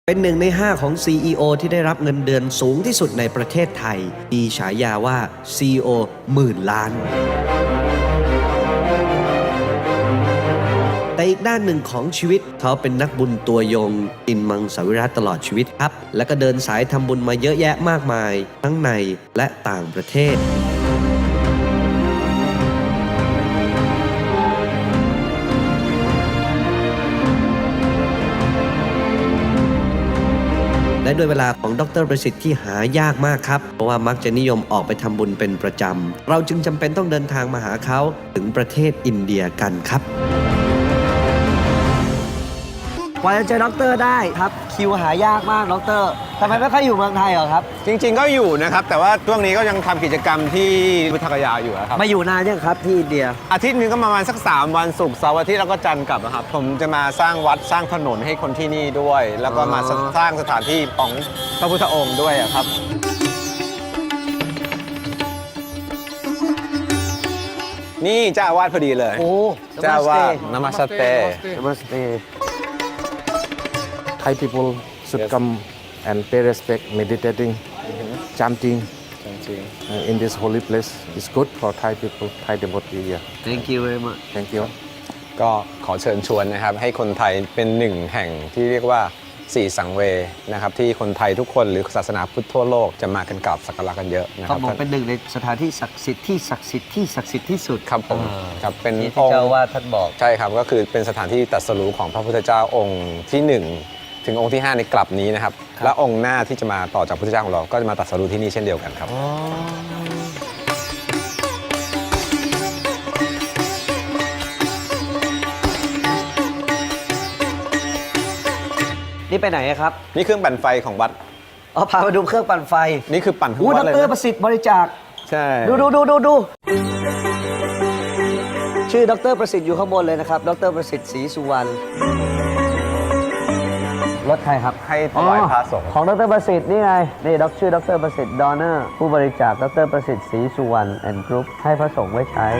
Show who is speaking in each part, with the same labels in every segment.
Speaker 1: เป็น1 ใน 5ของ CEO ที่ได้รับเงินเดือนสูงที่สุดในประเทศไทยมีฉายาว่า CEO หมื่นล้านแต่อีกด้านหนึ่งของชีวิตเขาเป็นนักบุญตัวยงกินมังสวิรัติตลอดชีวิตครับและก็เดินสายทำบุญมาเยอะแยะมากมายทั้งในและต่างประเทศและด้วยเวลาของดร.ประสิทธิ์ที่หายากมากครับเพราะว่ามักจะนิยมออกไปทำบุญเป็นประจำเราจึงจำเป็นต้องเดินทางมาหาเขาถึงประเทศอินเดียกันครับกว่าจะเจอด็อกเตอร์ได้ครับคิวหายากมากด็อกเตอร์ทำไมไม่ค่อยอยู่เมืองไทยเหรอครับ
Speaker 2: จริงๆก็อยู่นะครับแต่ว่าช่วงนี้ก็ยังทำกิจกรรมที่พุทธคยาอยู่ครับ
Speaker 1: มาอยู่นานยังครับที่อินเดีย
Speaker 2: อาทิตย์นึงก็ประมาณสัก3 วันศุกร์เสาร์อาทิตย์แล้วก็จันทร์กลับนะครับผมจะมาสร้างวัดสร้างถนนให้คนที่นี่ด้วย แล้วก็มาสร้างสถานที่ของพระพุทธองค์ด้วยครับนี่เจ้าอาวาสพอดีเลย
Speaker 1: โอ้
Speaker 2: เจ้าอาวาสนามัสเต
Speaker 3: Thai people should come and pay respect, meditating, chanting in this holy place. It's good for Thai people, Thai devotee. Yeah.
Speaker 1: Thank you very much.
Speaker 3: Thank you.
Speaker 2: ก็ขอเชิญชวนนะครับให้คนไทยเป็นหนึ่งแห่งที่เรียกว่า4 สังเวย์นะครับที่คนไทยทุกคนหรือศาสนาพุทธทั่วโลกจะมากันกราบสักการะกันเยอะนะครับ
Speaker 1: เขาบอกเป็น1 ในสถานที่ศักดิ์สิทธิ์ที่ศักดิ์สิทธิ์ที่ศักดิ์สิทธิ์ที่สุด
Speaker 2: ครับผมครับเป็น
Speaker 1: ที่เจ้าว่าท่านบอก
Speaker 2: ใช่ครับก็คือเป็นสถานที่ตรัสรู้ของพระพุทธเจ้าองค์ที่1ถึงองค์ที่5ในกลับนี้นะครับและองค์หน้าที่จะมาต่อจากพุทธเจ้าของเราก็จะมาตรัสรู้ที่นี่เช่นเดียวกันครับ
Speaker 1: นี่ไปไหนครับ
Speaker 2: นี่เครื่องปั่นไฟของวัด
Speaker 1: พามาดูเครื่องปั่นไฟ
Speaker 2: นี่คือปั่นทั้งวัดเลย
Speaker 1: ดร.ประสิทธิ์บริจาค
Speaker 2: ใช่
Speaker 1: ดูชื่อดร.ประสิทธิ์อยู่ข้างบนเลยนะครับดร.ประสิทธิ์ศรีสุวรรณรถใครครับ
Speaker 2: ให้ถวายพระสงฆ์
Speaker 1: ของดร.ประสิทธิ์นี่ไงนี่ชื่อดร.ประสิทธิ์ดอนเนอร์ผู้บริจาคดร.ประสิทธิ์ศรีสุวรรณแอนด์กรุ๊ปให้พระสงฆ์ไว้ใช้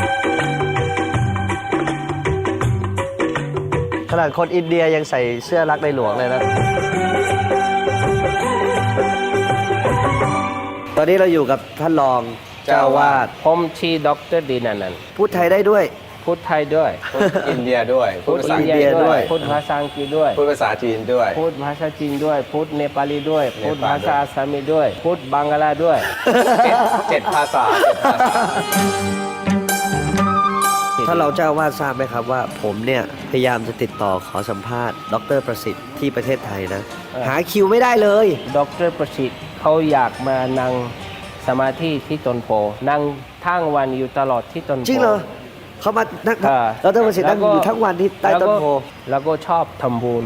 Speaker 1: ขนาดคนอินเดียยังใส่เสื้อรักในหลวงเลยนะตอนนี้เราอยู่กับท่านรองเจ้าวาด
Speaker 4: ผมชื่อดร.ดินันท์
Speaker 1: พูดไทยได้ด้วย
Speaker 4: พูดไทยด้วย
Speaker 2: พูดอินเดียด้วย
Speaker 4: พูดอินเดียด้วยพูดภาษาอังกฤษด้วย
Speaker 2: พูดภาษาจีนด้วย
Speaker 4: พูดภาษาจีนด้วยพูดเนปาลีด้วยพูดภาษาอาสามีด้วยพูดบังกลาด้วย
Speaker 2: 7 ภาษา
Speaker 1: ถ้าเราเจ้าวาดทราบไหมครับว่าผมเนี่ยพยายามจะติดต่อขอสัมภาษณ์ดร.ประสิทธิ์ที่ประเทศไทยนะหาคิวไม่ได้เลย
Speaker 4: ดร.ประสิทธิ์เขาอยากมานั่งสมาธิที่ต้นโพนั่งทั้งวันอยู่ตลอดที่ต้นโพ
Speaker 1: จริงเหรอเขามานั่งดร.ประสิทธิ์นั่งอยู่ทั้งวันที่ใต้ต้นโพ
Speaker 4: แล้วก็ชอบทำบุญ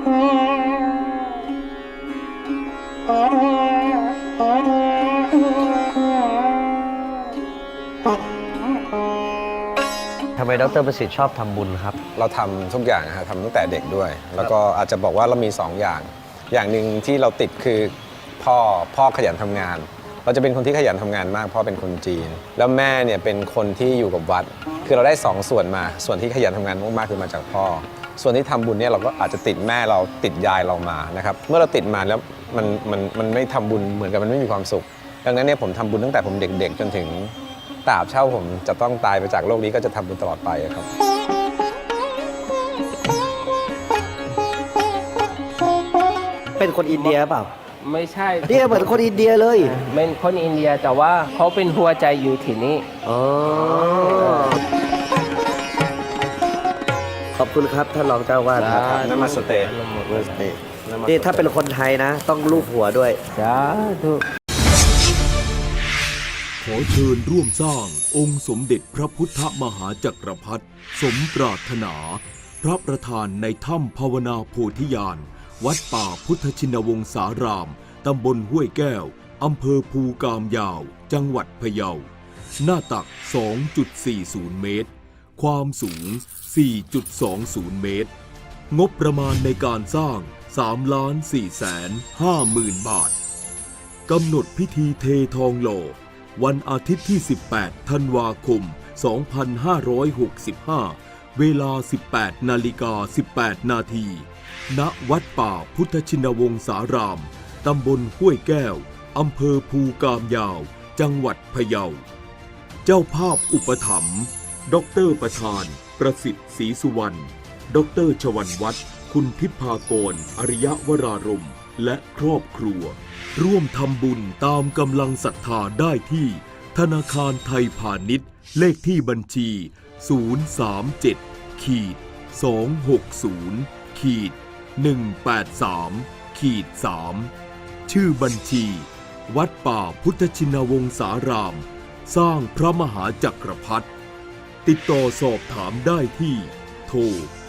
Speaker 1: ทำไมดร.ประสิทธิ์ชอบทำบุญครับ
Speaker 2: เราทำทุกอย่างทำตั้งแต่เด็กด้วยแล้วก็อาจจะบอกว่าเรามี2 อย่างหนึ่งที่เราติดคือพ่อขยันทำงานเราจะเป็นคนที่ขยันทำงานมากพ่อเป็นคนจีนแล้วแม่เนี่ยเป็นคนที่อยู่กับวัดคือเราได้2 ส่วนมาส่วนที่ขยันทำงานมากๆคือมาจากพ่อส่วนที่ทำบุญเนี่ยเราก็อาจจะติดแม่เราติดยายเรามานะครับเมื่อเราติดมาแล้วมันไม่ทำบุญเหมือนกับมันไม่มีความสุขดังนั้นเนี่ยผมทำบุญตั้งแต่ผมเด็กๆจนถึงตราบเช่าผมจะต้องตายไปจากโลกนี้ก็จะทำบุญตลอดไปครับ
Speaker 1: เป็นคนอินเดียเปล่า
Speaker 4: ไม่ใช่
Speaker 1: เนี่ยเหมือนคนอินเดียเลย
Speaker 4: เป็นคนอินเดียแต่ว่าเขาเป็นหัวใจอยู่ที่นี่
Speaker 1: ขอบคุณครับท่านรองเจ้าวาดครับ
Speaker 2: นามัสเต
Speaker 1: นี่ถ้าเป็นคนไทยนะต้องลูบหัวด้วย
Speaker 4: สาธุ
Speaker 5: ขอเชิญร่วมสร้างองค์สมเด็จพระพุทธมหาจักรพรรดิสมปรารถนาพระประธานในถ้ำภาวนาโพธิญาณวัดป่าพุทธชินวงศารามตำบลห้วยแก้วอำเภอภูกามยาวจังหวัดพะเยาหน้าตัก 2.40 เมตรความสูง 4.20 เมตรงบประมาณในการสร้าง 3,450,000 บาทกำหนดพิธีเททองหล่อวันอาทิตย์ที่ 18 ธันวาคม 2565 เวลา 18:18 น.ณ. ณวัดป่าพุทธชินวงศาราม ตำบลห้วยแก้ว อำเภอภูกามยาว จังหวัดพะเยา เจ้าภาพอุปถัมภ์ดร.ประธาน ประสิทธิ์ศรีสุวรรณ ดร.ชวันวัฒน์ คุณทิพากร อริยวรารม และครอบครัว ร่วมทำบุญตามกำลังศรัทธาได้ที่ ธนาคารไทยพาณิชย์ เลขที่บัญชี 037-260-183-3 ชื่อบัญชี วัดป่าพุทธชินวงศาราม สร้างพระมหาจักรพรรดิ ติดต่อสอบถามได้ที่ โทร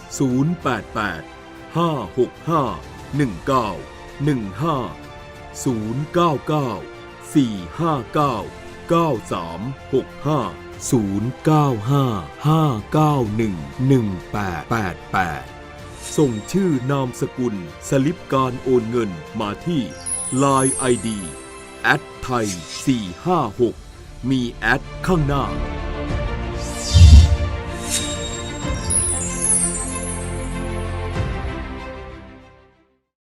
Speaker 5: 088-565-1991 ส่งชื่อนามสกุลสลิปการโอนเงินมาที่ Line ID @thai456 มีแอดข้างหน้า